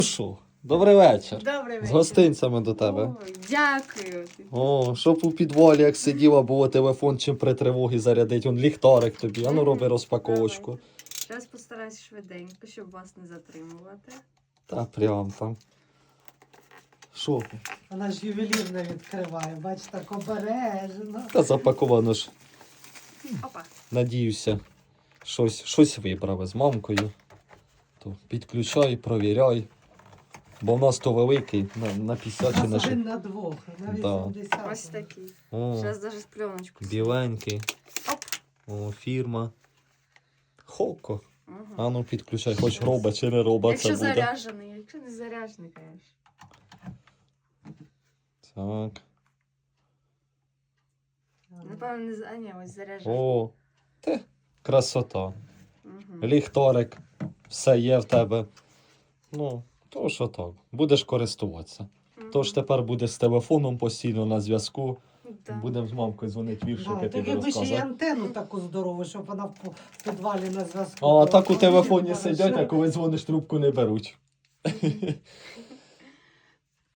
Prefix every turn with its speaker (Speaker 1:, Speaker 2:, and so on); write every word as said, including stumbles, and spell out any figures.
Speaker 1: Що? Добрий вечір.
Speaker 2: Добрий вечір.
Speaker 1: З гостинцями до тебе.
Speaker 2: Ой, дякую.
Speaker 1: О, щоб у підвалі, як сиділа, було телефон чим при тривогі зарядить. Он ліхтарик тобі. А ну роби розпаковочку.
Speaker 2: Зараз постараюсь швиденько, щоб вас не затримувати.
Speaker 1: Та прям там. Що?
Speaker 3: Вона ж ювелірно відкриває, бач, так обережно.
Speaker 1: Та запаковано ж.
Speaker 2: Опа.
Speaker 1: Надіюся, щось, щось виправи з мамкою. То підключай, провіряй. Бо в нас то великий, на, на п'ятдесят чи на
Speaker 3: Нас
Speaker 1: що.
Speaker 3: один на двох, на
Speaker 1: Да.
Speaker 3: вісімдесят.
Speaker 2: Ось такий.
Speaker 1: О,
Speaker 2: Зараз навіть пленочку.
Speaker 1: біленький.
Speaker 2: Оп.
Speaker 1: О, фірма. Хоко.
Speaker 2: Угу.
Speaker 1: А ну підключай, хоч роба чи не роба
Speaker 2: Якщо
Speaker 1: це буде.
Speaker 2: заряджений, якщо не заряджений, звісно.
Speaker 1: Так.
Speaker 2: Напевно, не за- а, ні, ось заряджений.
Speaker 1: О, те, красота.
Speaker 2: Угу.
Speaker 1: Ліхтарик, все є в тебе. Ну, то що так, будеш користуватися. Тож тепер будеш з телефоном постійно на зв'язку.
Speaker 2: Да.
Speaker 1: Будемо з мамкою дзвонити віршики,
Speaker 3: Да,
Speaker 1: тобі
Speaker 3: тобі би ще й
Speaker 1: розказати.
Speaker 3: антенну таку здорову, щоб вона в по- в підвалі на зв'язку.
Speaker 1: А так у
Speaker 3: була.
Speaker 1: телефоні
Speaker 3: Хорошо.
Speaker 1: сидять, а коли дзвониш, трубку не беруть.